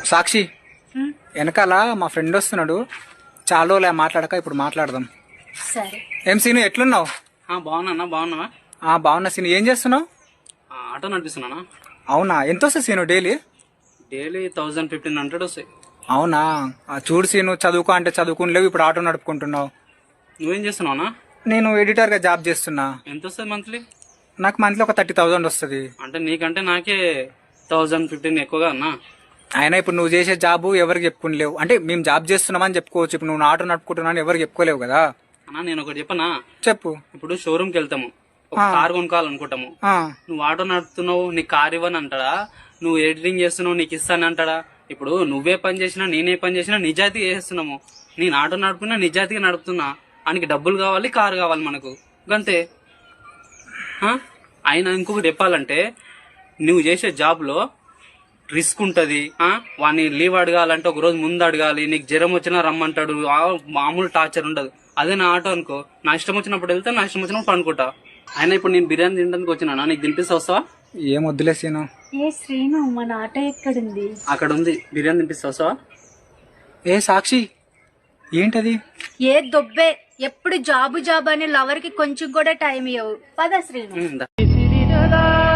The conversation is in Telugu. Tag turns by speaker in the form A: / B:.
A: సాక్షి వెనకాల మా ఫ్రెండ్ వస్తున్నాడు, చాలా రోజులే మాట్లాడక, ఇప్పుడు మాట్లాడదాం.
B: సరే.
A: ఏం సీను, ఎట్లున్నావు?
C: బాగున్నా. బాగున్నావా?
A: బాగున్నా సీను. ఏం చేస్తున్నావు?
C: ఆటో నడిపిస్తున్నానా.
A: అవునా, ఎంత వస్తుంది సీను డైలీ?
C: 1000-1500 వస్తాయి.
A: అవునా, చూడు సీను, చదువుకో అంటే చదువుకుని ఇప్పుడు ఆటో నడుపుకుంటున్నావు.
C: నువ్వేం చేస్తున్నావునా?
A: నేను ఎడిటర్ గా జాబ్ చేస్తున్నా.
C: ఎంత వస్తుంది మంత్లీ?
A: నాకు మంత్లీ ఒక 30,000 వస్తుంది.
C: అంటే నీకంటే నాకే 1000-15 ఎక్కువగా అన్నా.
A: అయినా ఇప్పుడు నువ్వు చేసే జాబ్ ఎవరికి చెప్పుకోలేవు. అంటే మేము జాబ్ చేస్తున్నామని చెప్పుకోవచ్చు, ఇప్పుడు నువ్వు ఆటో నడుపుకుంటున్నా అని ఎవరికి చెప్పుకోలేవు కదా.
C: అన్నా నేను ఒకటి చెప్పనా?
A: చెప్పు.
C: ఇప్పుడు షోరూమ్ కి వెళ్తాము, ఒక కార్ కొనుక్కోవాలనుకుంటాము. నువ్వు ఆటో నడుపుతున్నావు, నీకు కార్ ఇవ్వని అంటాడా? నువ్వు ఎడిటింగ్ చేస్తున్నావు, నీకు ఇస్తాను అంటాడా? ఇప్పుడు నువ్వే పని చేసినా నేనే పని చేసినా నిజాయితీ చేస్తున్నాము. నేను ఆటో నడుపుతున్నా, నిజాయితీగా నడుపుతున్నా. ఆయనకి డబ్బులు కావాలి, కారు కావాలి మనకు, గంతే. అయినా ఇంకొకటి చెప్పాలంటే, నువ్వు చేసే జాబ్ లో రిస్క్ ఉంటది. వాడిని లీవ్ అడగాలంటే ఒక రోజు ముందు అడగాలి. నీకు జ్వరం వచ్చినా రమ్మంటాడు, మామూలు టార్చర్ ఉండదు. అదే నా ఆటో అనుకో, నా ఇష్టం వచ్చినప్పుడు వెళ్తే, నా ఇష్టం వచ్చినప్పుడు పనుకుంటా. అయినా ఇప్పుడు నేను బిర్యానీ తినడానికి వచ్చినా, నీకు తినిపిస్తా, వస్తావా?
A: ఏం వద్దులే సీను.
B: ఏ శ్రీను, మన ఆటో ఎక్కడుంది?
C: అక్కడ ఉంది, బిర్యానీ తినిపిస్తా, వస్తావా?
A: ఏ సాక్షి, ఏంటది?
B: ఏ దొబ్బే, ఎప్పుడు జాబు జాబు అని లవర్ కి కొంచెం కూడా టైం ఇవ్వవు. పద శ్రీను.
C: దా.